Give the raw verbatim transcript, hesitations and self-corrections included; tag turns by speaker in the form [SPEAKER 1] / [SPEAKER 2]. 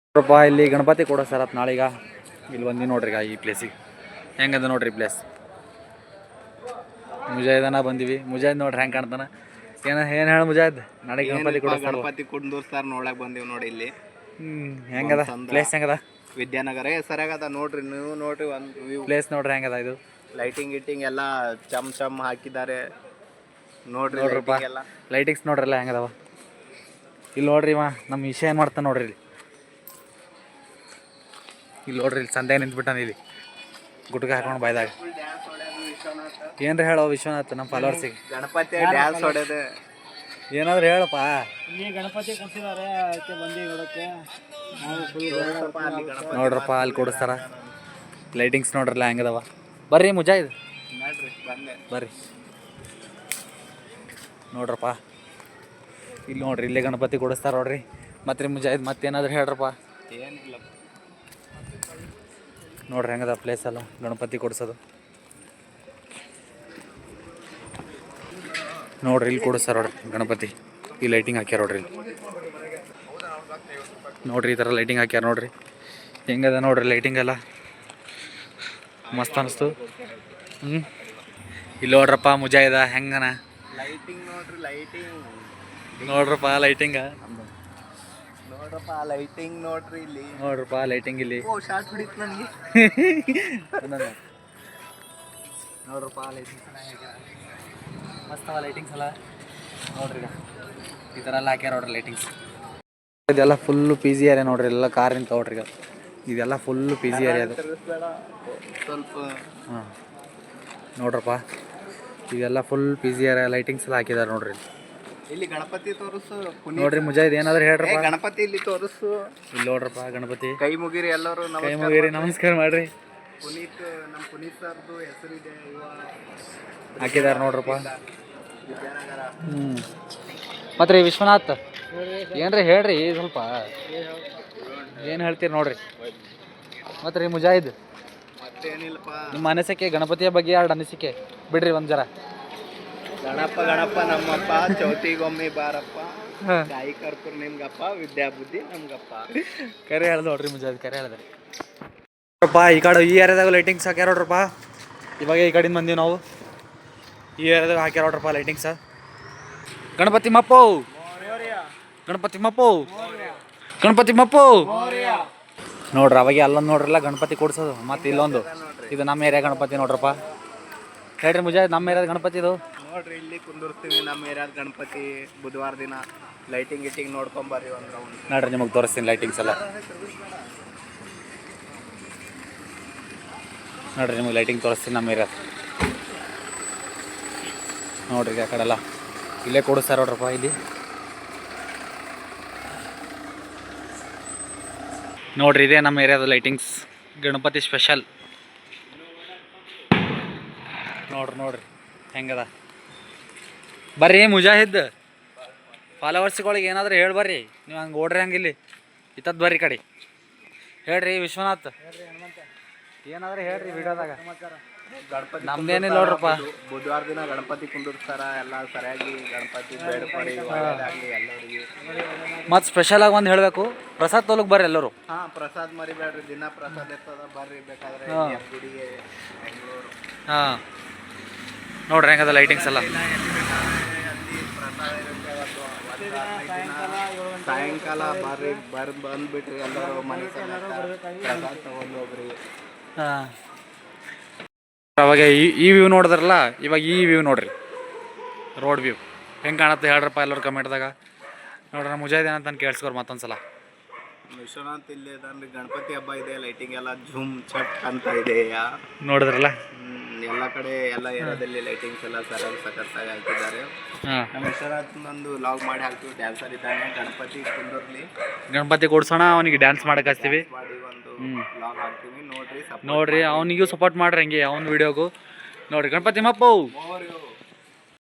[SPEAKER 1] ನೋಡ್ರಪ್ಪ ಇಲ್ಲಿ ಗಣಪತಿ ಕೊಡೋ ಸರ್ ಅತ್ ನಾಳೀಗ ಇಲ್ಲಿ ಬಂದು ನೋಡ್ರಿ ಈ ಪ್ಲೇಸಿಗೆ ಹೆಂಗದ ನೋಡ್ರಿ ಪ್ಲೇಸ್. ಮುಜಾಹಿದನ ಬಂದಿವಿ. ಮುಜಾಹಿದ್ ನೋಡ್ರಿ ಹೆಂಗೆ ಕಾಣ್ತಾನ. ಏನ ಏನು ಹೇಳ ಮುಜಾಹಿದ್ ನಾಳೆ ಗಣಪತಿ ಕೊಡೋ
[SPEAKER 2] ಗಣಪತಿ ಕುಂದೂರ್ಸ್ತಾರ ನೋಡಕ್ ಬಂದಿವಿ ನೋಡಿ ಇಲ್ಲಿ.
[SPEAKER 1] ಹ್ಮ್ ಹೆಂಗದ ಪ್ಲೇಸ್ ಹೆಂಗದ?
[SPEAKER 2] ವಿದ್ಯಾನಗರ ಸರಿಯಾಗದ ನೋಡ್ರಿ ನೀವು ನೋಡ್ರಿ ಒಂದು ವ್ಯೂ
[SPEAKER 1] ಪ್ಲೇಸ್ ನೋಡ್ರಿ ಹೆಂಗದ ಇದು.
[SPEAKER 2] ಲೈಟಿಂಗ್ ಗಿಟಿಂಗ್ ಎಲ್ಲ ಚಮ್ ಚಮ್ ಹಾಕಿದ್ದಾರೆ ನೋಡ್ರಿ.
[SPEAKER 1] ನೋಡ್ರಪ್ಪ ಲೈಟಿಂಗ್ಸ್ ನೋಡ್ರಲ್ಲ ಹೆಂಗದವ. ಇಲ್ಲಿ ನೋಡ್ರಿ ಇವ ನಮ್ಮ ವಿಷಯ ಏನು ಮಾಡ್ತಾನೆ ನೋಡ್ರಿ. ಇಲ್ಲಿ ಇಲ್ಲಿ ನೋಡ್ರಿ ಇಲ್ಲಿ ಸಂದೆ ನಿಂತ್ಬಿಟ್ಟಾನ ಇಲ್ಲಿ ಗುಟ್ಕ ಹಾಕೊಂಡು ಬಾಯ್ದಾಗ. ಏನ್ರಿ ಹೇಳೋ ವಿಶ್ವನಾಥ್ ನಮ್ಮ ಫಾಲೋವರ್ಸಿಗೆ
[SPEAKER 2] ಗಣಪತಿ ಡ್ಯಾನ್ಸ್ ಹೊಡೆದ
[SPEAKER 1] ಏನಾದ್ರು ಹೇಳಪ್ಪ.
[SPEAKER 3] ಗಣಪತಿ ಕೊಡ್ಸಿದ್ದಾರೆ ಅದಕ್ಕೆ ಬಂದು ನೋಡಕ್ಕೆ.
[SPEAKER 1] ನೋಡ್ರಪ್ಪ ಅಲ್ಲಿ ಕೊಡಿಸ್ತಾರ ಲೈಟಿಂಗ್ಸ್ ನೋಡ್ರಲ್ಲ ಹೆಂಗದವ. ಬರ್ರಿ ಮುಜಾಹಿದ್ ಬರ್ರಿ ನೋಡ್ರಪ್ಪ. ಇಲ್ಲಿ ನೋಡ್ರಿ ಇಲ್ಲೇ ಗಣಪತಿ ಕೊಡಿಸ್ತಾರ ನೋಡ್ರಿ. ಮತ್ತೆ ರೀ ಮುಜಾಹಿದ್ ಮತ್ತೇನಾದ್ರು ಹೇಳ್ರಪ್ಪ.
[SPEAKER 2] ಏನಿಲ್ಲ
[SPEAKER 1] ನೋಡ್ರಿ ಹೆಂಗದ ಪ್ಲೇಸ್ ಅಲ್ಲ ಗಣಪತಿ ಕೊಡ್ಸೋದು. ನೋಡ್ರಿ ಇಲ್ಲಿ ಕೊಡಿಸ್ತಾರ ನೋಡ್ರಿ ಗಣಪತಿ. ಈ ಲೈಟಿಂಗ್ ಹಾಕ್ಯಾರ ನೋಡ್ರಿ ಇಲ್ಲಿ ನೋಡ್ರಿ ಈ ಥರ ಲೈಟಿಂಗ್ ಹಾಕ್ಯಾರ ನೋಡ್ರಿ. ಹೆಂಗದ ನೋಡ್ರಿ ಲೈಟಿಂಗ್ ಎಲ್ಲ ಮಸ್ತ್ ಅನಿಸ್ತು. ಹ್ಞೂ ಇಲ್ಲಿ ನೋಡ್ರಪ್ಪ ಮುಜಾಹಿದ ಹೆಂಗನ
[SPEAKER 2] ಲೈಟಿಂಗ್ ನೋಡ್ರಿ. ಲೈಟಿಂಗ್
[SPEAKER 1] ನೋಡ್ರಪ್ಪ ಲೈಟಿಂಗ
[SPEAKER 2] ನೋಡ್ರಪ್ಪ ಲೈಟಿಂಗ್ ನೋಡ್ರಿ ಇಲ್ಲಿ.
[SPEAKER 1] ನೋಡ್ರಪ್ಪ ಲೈಟಿಂಗ್ ಇಲ್ಲಿ
[SPEAKER 2] ಓ ಶಾರ್ಟ್ ಹೊಡಿತು ನನಗೆ.
[SPEAKER 1] ನೋಡ್ರಪ್ಪ ಲೈಟಿಂಗ್ಸ್ ಮಸ್ತ್ ಅವ ಲೈಟಿಂಗ್ಸ್ ಎಲ್ಲ ನೋಡ್ರಿ. ಈ ಥರ ಎಲ್ಲ ಹಾಕ್ಯಾರ ನೋಡ್ರಿ ಲೈಟಿಂಗ್ಸ್. ಇದೆಲ್ಲ ಫುಲ್ಲು ಪಿ ಜಿ ಏರಿಯಾ ನೋಡ್ರಿ. ಎಲ್ಲ ಕಾರ್ ನಿಂತ ನೋಡ್ರಿ ಈಗ. ಇದೆಲ್ಲ ಫುಲ್ಲು ಪಿ ಜಿ ಏರಿಯಾ ಅದು
[SPEAKER 2] ಸ್ವಲ್ಪ.
[SPEAKER 1] ಹಾಂ ನೋಡ್ರಪ್ಪ ಇದೆಲ್ಲ full P G area lightings ಎಲ್ಲ ಹಾಕಿದ್ದಾರೆ ನೋಡ್ರಿ.
[SPEAKER 2] ಇಲ್ಲಿ ಗಣಪತಿ ತೋರಿಸು
[SPEAKER 1] ನೋಡ್ರಿ ಮುಜಾಹಿದ್ ಏನಾದ್ರು ಹೇಳ್ರಪ್ಪ.
[SPEAKER 2] ಗಣಪತಿ ಇಲ್ಲಿ ತೋರಿಸು.
[SPEAKER 1] ಇಲ್ಲಿ ನೋಡ್ರಪ್ಪ ಗಣಪತಿ.
[SPEAKER 2] ಕೈ ಮುಗಿರಿ ಎಲ್ಲರೂ.
[SPEAKER 1] ಕೈ ಮುಗಿರಿ ನಮಸ್ಕಾರ ಮಾಡ್ರಿ.
[SPEAKER 2] ಪುನೀತ್ ನಮ್ಮ ಪುನೀತ್ ಸರ್ದು ಹೆಸರಿದೆ
[SPEAKER 1] ಹಾಕಿದ್ದಾರೆ ನೋಡ್ರಪ್ಪ.
[SPEAKER 2] ವಿದ್ಯಾನಗರ.
[SPEAKER 1] ಹ್ಞೂ ಮತ್ತು ರೀ ವಿಶ್ವನಾಥ್ ಏನ್ರಿ ಹೇಳ್ರಿ ಸ್ವಲ್ಪ. ಏನು ಹೇಳ್ತೀರಿ ನೋಡ್ರಿ. ಮತ್ತು ರೀ ಮುಜಾಹಿದ್
[SPEAKER 2] ಮತ್ತೇನಿಲ್ಲಪ್ಪ
[SPEAKER 1] ನಿಮ್ಮ ಅನಿಸಿಕೆ ಗಣಪತಿಯ ಬಗ್ಗೆ ಎರಡು ಅನಿಸಿಕೆ ಬಿಡ್ರಿ ಒಂದು ಜರ.
[SPEAKER 2] ಗಣಪ ಗಣಪ ನಮ್ಮಪ್ಪ ಚೌತಿಗೊಮ್ಮೆ ಬಾರಪ್ಪ ತಾಯಿ ಕರ್ಪೂರ್ ನಿಮ್ಗಪ್ಪ ವಿದ್ಯಾಬುದ್ಧಿ ನಮ್ಗಪ್ಪ.
[SPEAKER 1] ಕರೆ ಹೇಳ್ದು ನೋಡ್ರಿ ಮುಜಾಹಿದ್ ಕರೆ ಹೇಳ್ದ್ರಿ. ನೋಡ್ರಪ್ಪ ಈ ಕಡೆ ಈ ಏರಿಯಾದಾಗ ಲೈಟಿಂಗ್ಸ್ ಹಾಕ್ಯಾರ ನೋಡ್ರಪ್ಪ. ಇವಾಗ ಈ ಕಡೆಯಿಂದ ಬಂದೀವಿ ನಾವು. ಈ ಏರಿಯಾದಾಗ ಹಾಕ್ಯಾರ ನೋಡ್ರಪ್ಪ ಲೈಟಿಂಗ್ಸ. ಗಣಪತಿ ಮಪ್ಪು ಗಣಪತಿ ಮಪ್ಪು ಗಣಪತಿ ಮಪ್ಪು ನೋಡ್ರಿ. ಅವಾಗ ಅಲ್ಲೊಂದು ನೋಡ್ರಲ್ಲ ಗಣಪತಿ ಕೊಡ್ಸೋದು. ಮತ್ತು ಇಲ್ಲೊಂದು ಇದು ನಮ್ಮ ಏರಿಯಾ ಗಣಪತಿ ನೋಡ್ರಪ್ಪ. ಹೇಳ್ರಿ ಮುಜಾಹಿದ್ ನಮ್ಮ ಏರಿಯಾದ ಗಣಪತಿ ಇದು
[SPEAKER 2] ನೋಡ್ರಿ. ಇಲ್ಲಿ ಕುಂದಿರ್ತೀವಿ ನಮ್ಮ ಏರಿಯಾದ ಗಣಪತಿ. ಬುಧವಾರ ದಿನ ಲೈಟಿಂಗ್ ಗಿಟಿಂಗ್ ನೋಡ್ಕೊಂಬರ್ರಿ ಒಂದು ರೌಂಡ್.
[SPEAKER 1] ನೋಡ್ರಿ ನಿಮಗೆ ತೋರಿಸ್ತೀನಿ ಲೈಟಿಂಗ್ಸ್ ಎಲ್ಲ. ನೋಡ್ರಿ ನಿಮಗೆ ಲೈಟಿಂಗ್ ತೋರಿಸ್ತೀನಿ ನಮ್ಮ ಏರಿಯಾದ. ನೋಡ್ರಿ ಆ ಕಡೆ ಎಲ್ಲ ಇಲ್ಲೇ ಕೊಡಿಸ್ತಾರ ನೋಡ್ರಪ್ಪ. ಇಲ್ಲಿ ನೋಡ್ರಿ ಇದೇ ನಮ್ಮ ಏರಿಯಾದ ಲೈಟಿಂಗ್ಸ್ ಗಣಪತಿ ಸ್ಪೆಷಲ್. ನೋಡ್ರಿ ನೋಡ್ರಿ ಹೆಂಗದ. ಬರ್ರಿ ಮುಜಾಹಿದ್ ಫಾಲೋವರ್ಸ್ಗಳಿಗೆ ಏನಾದರೂ ಹೇಳಿ ಬರ್ರಿ. ನೀವು ಹಂಗೆ ಓಡ್ರಿ ಹಂಗಿಲ್ಲಿ ಇತ್ತದ್ದು ಬರ್ರಿ ಕಡೆ. ಹೇಳ್ರಿ ವಿಶ್ವನಾಥ್ ಏನಾದರೂ ಹೇಳ್ರಿ ವಿಡಿಯೋದಾಗ.
[SPEAKER 2] ಗಣಪತಿ
[SPEAKER 1] ನಮ್ದೇನಿಲ್ಲ ನೋಡ್ರಪ್ಪ.
[SPEAKER 2] ಬುಧವಾರ ದಿನ ಗಣಪತಿ ಕುಂದಿರ್ತಾರ. ಎಲ್ಲ ಸರಿಯಾಗಿ ಗಣಪತಿ ಬೇಡ್ಕೊಡಿ ಒಳ್ಳೆಯದಾಗಲಿ ಎಲ್ಲರಿಗೆ.
[SPEAKER 1] ಮತ್ತು ಸ್ಪೆಷಲಾಗಿ ಒಂದು ಹೇಳಬೇಕು, ಪ್ರಸಾದ್ ತೋಲಕ್ಕೆ ಬರ್ರಿ ಎಲ್ಲರೂ.
[SPEAKER 2] ಹಾಂ ಪ್ರಸಾದ್ ಮರಿಬೇಡ್ರಿ. ದಿನ ಪ್ರಸಾದ್ ಇರ್ತದ ಬರ್ರಿ ಬೇಕಾದ್ರೆ ಗುಡಿಗೆ ಬೆಂಗಳೂರು.
[SPEAKER 1] ಹಾಂ ನೋಡ್ರಿ ಹೆಂಗದ ಲೈಟಿಂಗ್ಸ್ ಎಲ್ಲ.
[SPEAKER 2] ಸಾಯಂಕಾಲ ಬರ್ರಿ ಬರ್ ಬಂದ್ಬಿಟ್ರಿ ಎಲ್ಲರೂ ಮನೆ ಪ್ರಸಾದ್ ತಗೊಂಡು ಹೋಗ್ರಿ.
[SPEAKER 1] ಹಾಂ ಅವಾಗ ಈ ಈ ವ್ಯೂ ನೋಡಿದ್ರಲ್ಲ, ಇವಾಗ ಈ ವ್ಯೂ ನೋಡ್ರಿ ರೋಡ್ ವ್ಯೂ ಹೆಂಗೆ ಕಾಣುತ್ತೆ ಹೇಳ್ರಪ್ಪ ಎಲ್ಲರೂ ಕಮೆಂಟ್ದಾಗ. ನೋಡ್ರಿ ನಮ್ಮ ಮುಜಾಹಿದ್ ಏನಂತ ಕೇಳಿಸ್ಕೊರ್ ಮತ್ತೊಂದು ಸಲ.
[SPEAKER 2] ವಿಶ್ವನಾಥ್ ಇಲ್ಲಿ ಇದಾನ್ರಿ. ಗಣಪತಿ ಹಬ್ಬ ಇದೆ. ಲೈಟಿಂಗ್ ಎಲ್ಲ ಝೂಮ್ ಚಟ್ ಅಂತ ಇದೆ
[SPEAKER 1] ನೋಡಿದ್ರಲ್ಲ.
[SPEAKER 2] ಎಲ್ಲ ಕಡೆ ಎಲ್ಲ ಏರಿಯಾದಲ್ಲಿ ಲೈಟಿಂಗ್ಸ್ ಎಲ್ಲ ಸರಿಯಾಗಿ ಸಖತ್ತಾಗಿ ಹಾಕಿದ್ದಾರೆ. ನಮ್ಮ ವಿಶ್ವನಾಥ್ ಒಂದು ಲಾಗ್ ಮಾಡಿ ಹಾಕ್ತೀವಿ. ಡ್ಯಾನ್ಸರ್ ಇದ್ದಾನೆ. ಗಣಪತಿ ಕುಂದರ್ಲಿ
[SPEAKER 1] ಗಣಪತಿ ಕೊಡ್ಸೋಣ, ಅವನಿಗೆ ಡ್ಯಾನ್ಸ್ ಮಾಡಕ್ಕೆ ಹಚ್ತೀವಿ.
[SPEAKER 2] ಮಾಡಿ ಒಂದು ಲಾಗ್ ಹಾಕ್ತೀವಿ ನೋಡ್ರಿ.
[SPEAKER 1] ನೋಡ್ರಿ ಅವನಿಗೂ ಸಪೋರ್ಟ್ ಮಾಡ್ರಿ ಹಂಗೆ ಅವ್ನ ವಿಡಿಯೋಗೂ. ನೋಡ್ರಿ ಗಣಪತಿ ಮಪ್ಪು.